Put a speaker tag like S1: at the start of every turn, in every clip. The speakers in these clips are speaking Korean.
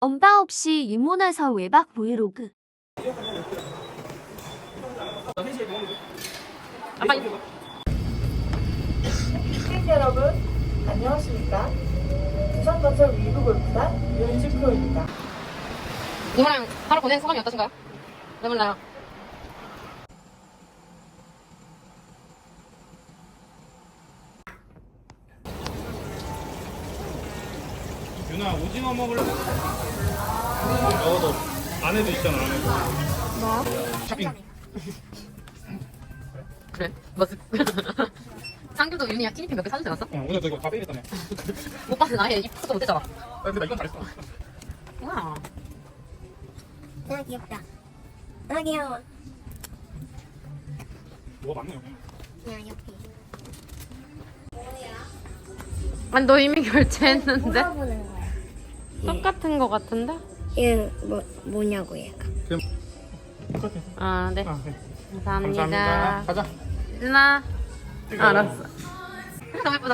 S1: 엄빠 없이 유모나서 외박 브이로그.
S2: 시청자 여러분, 안녕하십니까? 부산건설 위브골프단 윤지 프로입니다.
S3: 이모랑 하루 보낸 소감이 어떠신가요? 왜 몰라요?
S4: 윤아 오징어 먹을래? 먹어도 안에도 있잖아 안에도 뭐? 샤핑
S3: 그래? 뭐지? 상규도 윤이야 티니핑 몇 개 사주지 않았어?
S4: 오늘 너 이거 다 빼겠다며
S3: 오빠는 아예 입수도 못했잖아.
S4: 근데 나 이건 잘했어
S3: 와.
S5: 아 귀엽다. 아 귀여워.
S4: 뭐가 많네 여기
S5: 그냥 옆에.
S3: 아니 너 이미 결제했는데?
S5: 물어보는 거야.
S3: 똑같은 거 같은데?
S5: 얘 뭐냐고 얘가.
S4: 똑같아
S3: 아 네.
S4: 네.
S3: 감사합니다.
S4: 가자
S3: 윤아.
S4: 찍어.
S3: 알았어. 너무 예쁘다.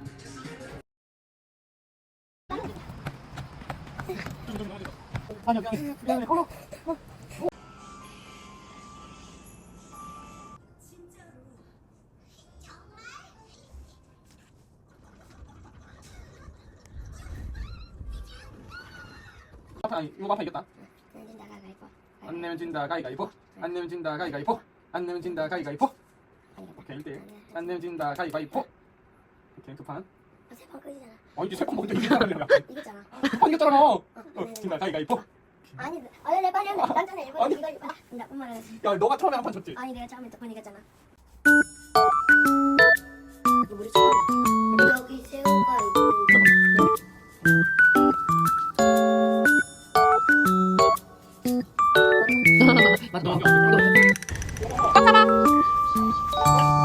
S4: 이거 아파 이겼다
S5: 나가 갈거.
S4: 안 내면 진다 가위가위보 안 내면 진다 가위가위보 안 내면 진다 가위가위보 오케이 1대1 안 내면 진다 가위가위보 오케이 두판
S5: 세번 끄지잖아.
S4: 이제 세판 먹는데 이기잖아
S5: 이겼잖아.
S4: 두판 이겼잖아 진다 가위가위보
S5: 아니, 내 빨리 했네. 난 전에 일본
S4: 아니.
S5: 이거 나쁜 말을.
S4: 야 너가 처음에 한 판 졌지
S5: 아니 내가 처음에 두번 이겼잖아. 이거 우리 처음이야. 여기 새우가
S3: 맞아. 꽉 잡아.